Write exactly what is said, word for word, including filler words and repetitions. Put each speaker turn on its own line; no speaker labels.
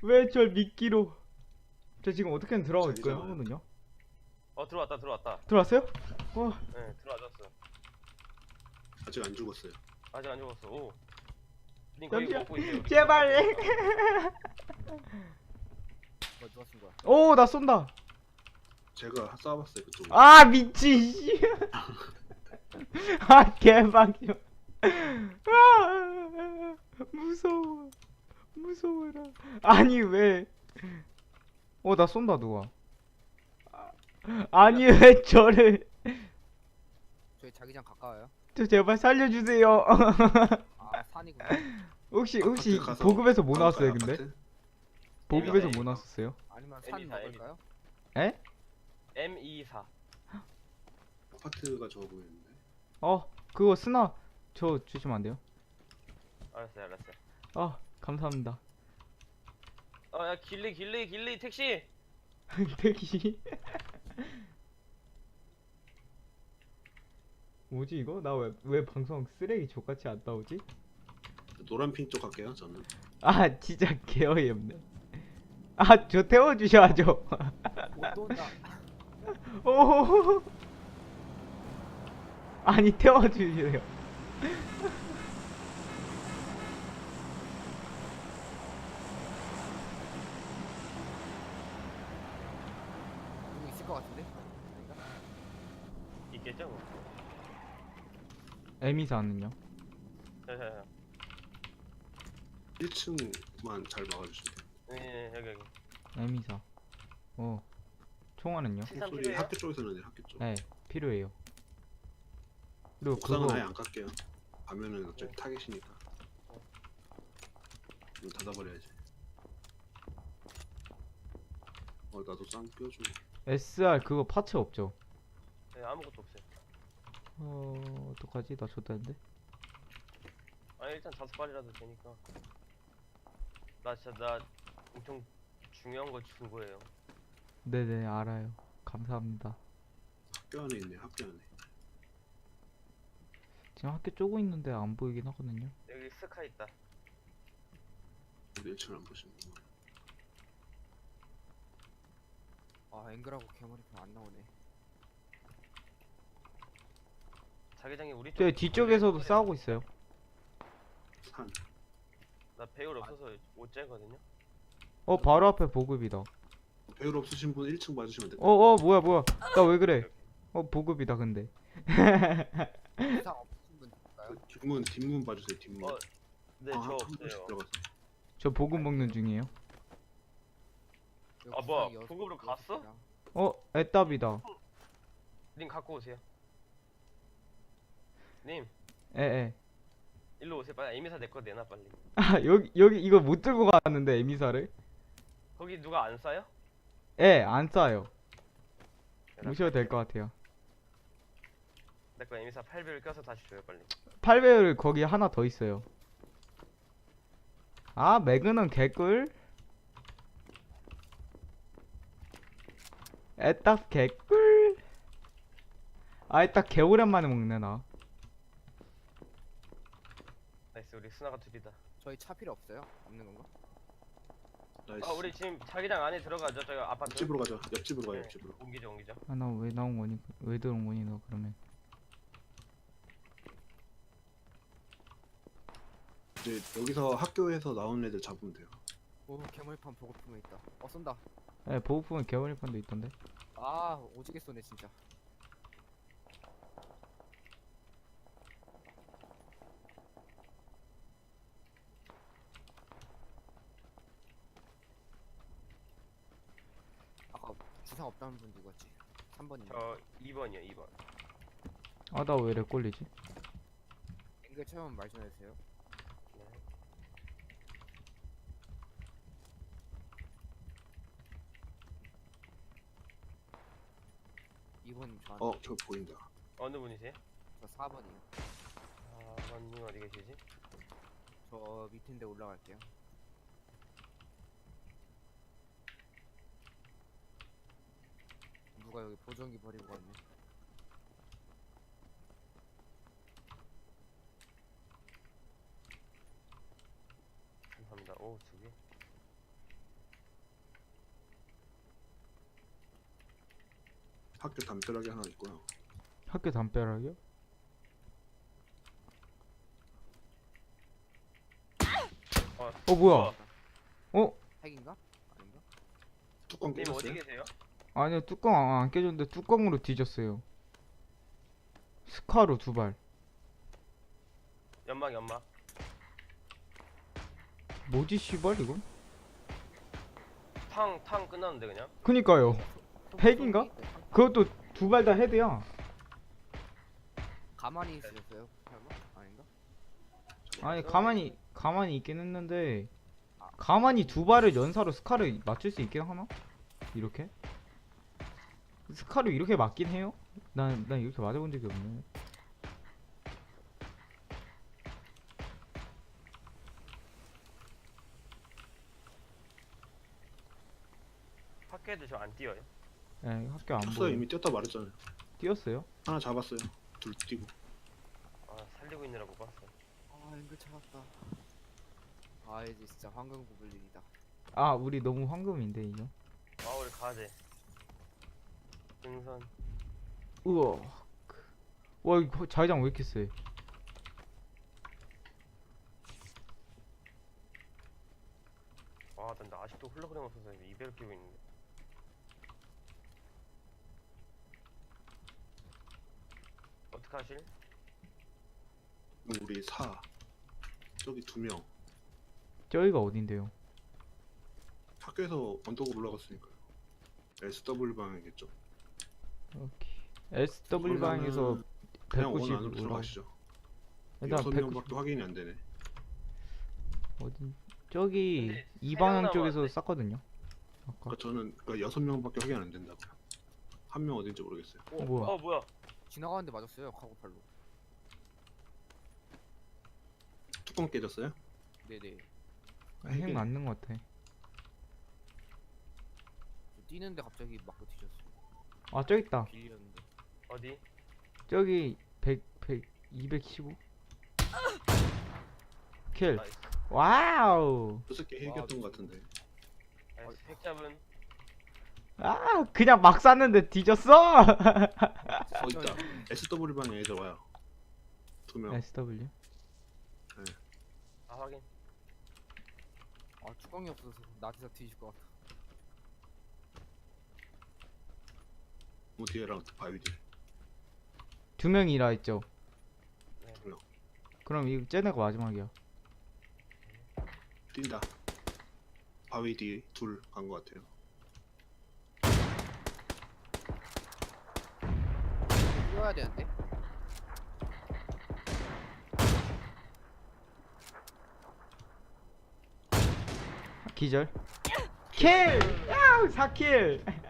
왜 절 미끼로. 저 지금 어떻게든 들어갈 거예요
자기잖아요.
하거든요.
어 들어왔다 들어왔다.
들어왔어요? 어.
네 들어와줬어.
아직 안 죽었어요.
아직 안 죽었어. 오. 님 거기
잠시만.
먹고 있어요.
제발.
뭐 누가 쓴 거야?
오, 나 쏜다.
제가 쏴봤어요 그쪽.
아, 미친 씨. 아, 개박이야. 아, 무서워. 무서워라. 아니 왜? 어, 나 쏜다 누가? 아니 왜 저를?
저희 자기장 가까워요?
저 제발 살려주세요.
아 산이구나.
혹시 혹시
아파트 가서
보급에서 뭐
가볼까요,
나왔어요 근데?
아파트?
보급에서
에미사,
뭐 나왔었어요?
아니면 산
에미사,
먹을까요?
에?
엠 이십사.
아파트가 좋아 보이는데.
어, 그거 스나 저 주시면 안 돼요?
알았어요 알았어요.
아, 감사합니다.
어야 길리 길리 길리 택시.
대기. 뭐지 이거? 나 왜 왜 방송 쓰레기 족같이 안 나오지?
노란 핑 쪽 갈게요 저는.
아, 진짜 개어이 없네. 아, 저 태워주셔야죠.
오또 온다.
오. 아니 태워주세요.
누구 있을 것 같은데? 아닌가?
있겠죠 뭐.
에미사는요?
자자자.
일 층만 잘 막아주시면 돼요.
네 여기 여기.
에미사. 어. 총알은요?
칠삼
소리
필요해요?
학교 쪽에서는 돼, 학교 쪽.
네, 필요해요. 그리고
옥상은
그거
아예 안 깔게요. 가면은 어차피 타겟이니까. 이거 닫아버려야지. 어 나도 쌍 껴줘.
에스알 그거 파츠 없죠?
네 아무것도 없어요.
어, 어떡하지? 나 줬다는데?
아 일단 다섯 발이라도 되니까. 나 진짜 나 엄청 중요한 거 준 거예요.
네네, 알아요. 감사합니다.
학교 안에 있네 학교 안에.
지금 학교 쪼고 있는데 안 보이긴 하거든요.
여기 스카 있다.
우리 일 층을 안 보시는구나.
아 앵글하고 개머리판 안 나오네.
자기장이 우리 쪽.
저 뒤쪽에서도 싸우고 있어요.
산.
나 배율 없어서 못 째거든요.
어, 바로 앞에 보급이다.
배율 없으신 분 일 층 봐주시면 돼요.
어, 어, 뭐야, 뭐야. 나 왜 그래? 어, 보급이다, 근데.
이상 없으신 분 있을까요?
그 뒷문 뒷문 봐주세요 뒷문.
어, 네
아,
저
한
없어요.
번씩 들어가서.
저 보급 먹는 중이에요.
여기
아, 뭐야,
구상이 여섯-
보급으로
여섯
갔어?
개랑.
어, 애답이다.
님 갖고 오세요. 님
에, 에.
일로 오세요. 빨리 에미사 내 거 내놔 빨리.
아, 여기, 여기, 이거 못 들고 갔는데, 에미사를?
거기 누가 안 싸요?
예, 안 싸요. 무셔도 될 것 같아요.
내 거 에미사 팔 배율 껴서 다시 줘요 빨리.
팔 배율 거기 하나 더 있어요. 아, 매그는 개꿀? 애딱 개꿀? 아, 애딱 개오랜만에 먹네, 나.
나이스 우리 스나가 둘이다.
저희 차 필요 없어요? 없는 건가?
나이스.
아 우리 지금 자기장 안에 들어가죠. 저기 아파트.
옆집으로 가자. 옆집으로 가
네,
옆집으로.
옮기죠 옮기죠.
아, 나 왜 나온 거니? 왜 들어온 거니, 너, 그러면?
이제 여기서 학교에서 나온 애들 잡으면 돼요.
오 개머리판 보급품에 있다. 어 쏜다.
예, 보급품은 개월일판도 있던데.
아 오지게 쏘네 진짜. 아까 주상 없다는 분 누구였지? 삼 번인가?
저 이 번이요 이 번.
아, 나 왜 이래 꼴리지?
앵글 체험 말 좀 해주세요.
네.
이 번 저한테.
어 저 보인다.
어느 분이세요?
저 사 번이요.
아 번님 어디 계시지?
저 밑인데 올라갈게요. 누가 여기 보정기 버리고 갔네.
감사합니다. 오 두 개.
학교 담벼락이 하나 있고요.
학교 담벼락이요?
어,
어 뭐야? 어?
핵인가? 아닌가?
뚜껑
님 어디
깨졌어요?
계세요?
아니요 뚜껑 안 깨졌는데 뚜껑으로 뒤졌어요. 스카로 두 발.
연막 연막.
뭐지 씨발 이건?
탕 탕 끝났는데 그냥.
그니까요. 핵인가?
네, 탕-
그것도 두 발 다 헤드야.
가만히 있으셨어요? 설마? 아닌가?
아니 가만히 가만히 있긴 했는데 가만히 두 발을 연사로 스카를 맞출 수 있긴 하나? 이렇게? 스카로 이렇게 맞긴 해요? 난, 난 이렇게 맞아본 적이 없네.
학교 애들 저 안 뛰어요.
예, 학교 안
쳤어요.
보여.
이미 뛰었다 말했잖아요.
뛰었어요?
하나 잡았어요. 둘 뛰고.
아 살리고 있느라 못 봤어.
아 앵글 찾았다. 아 이제 진짜 황금 고블린이다.
아, 우리 너무 황금인데 이거.
아 우리 가야 돼. 등선.
우와. 와, 이거 자기장 왜 이렇게 세?
아, 난 나 아직도 홀로그램 없어서 이배를 끼고 있는데. 어떡하실?
우리 사. 저기 두 명.
저기가 어딘데요?
학교에서 언덕으로 올라갔으니까요. 에스더블유 방향이겠죠.
오케이. 에스더블유 방에서
그러면은 그냥 원
백구십
안으로
올라.
들어가시죠.
일단
여섯
백구십
명밖에 확인이 안 되네.
어딘? 저기
근데
이
세
방향
명
쪽에서
남았는데?
쌌거든요. 아까.
그러니까 저는 그러니까 여섯 명밖에 확인 안 된다고요. 한 명 어딘지 모르겠어요.
어, 뭐야?
어 뭐야?
지나가는데 맞았어요 카고팔로.
뚜껑 깨졌어요?
네네.
핵 맞는 것 같아.
뛰는데 갑자기 맞고 뒤졌어.
아, 저기 있다.
빌렸는데.
어디?
저기 백, 백, 이백십오. 킬.
나이스.
와우.
저 새끼 핵이었던 것 같은데.
나이스. 핵 잡은.
아, 그냥 막 쐈는데 뒤졌어.
어 있다. 에스더블유 방에 애들 와요. 두 명.
에스더블유.
아 확인.
아 뚜껑이 없어서 나한테서 뒤질 것 같아.
뭐 뒤에랑 바위 뒤.
두 명이라 했죠.
네.
두 명.
그럼 이 쟤네가 마지막이야.
뛴다. 바위 뒤 둘 간 것 같아요.
뛰어야 되는데.
기절. 킬! 야, 사 킬.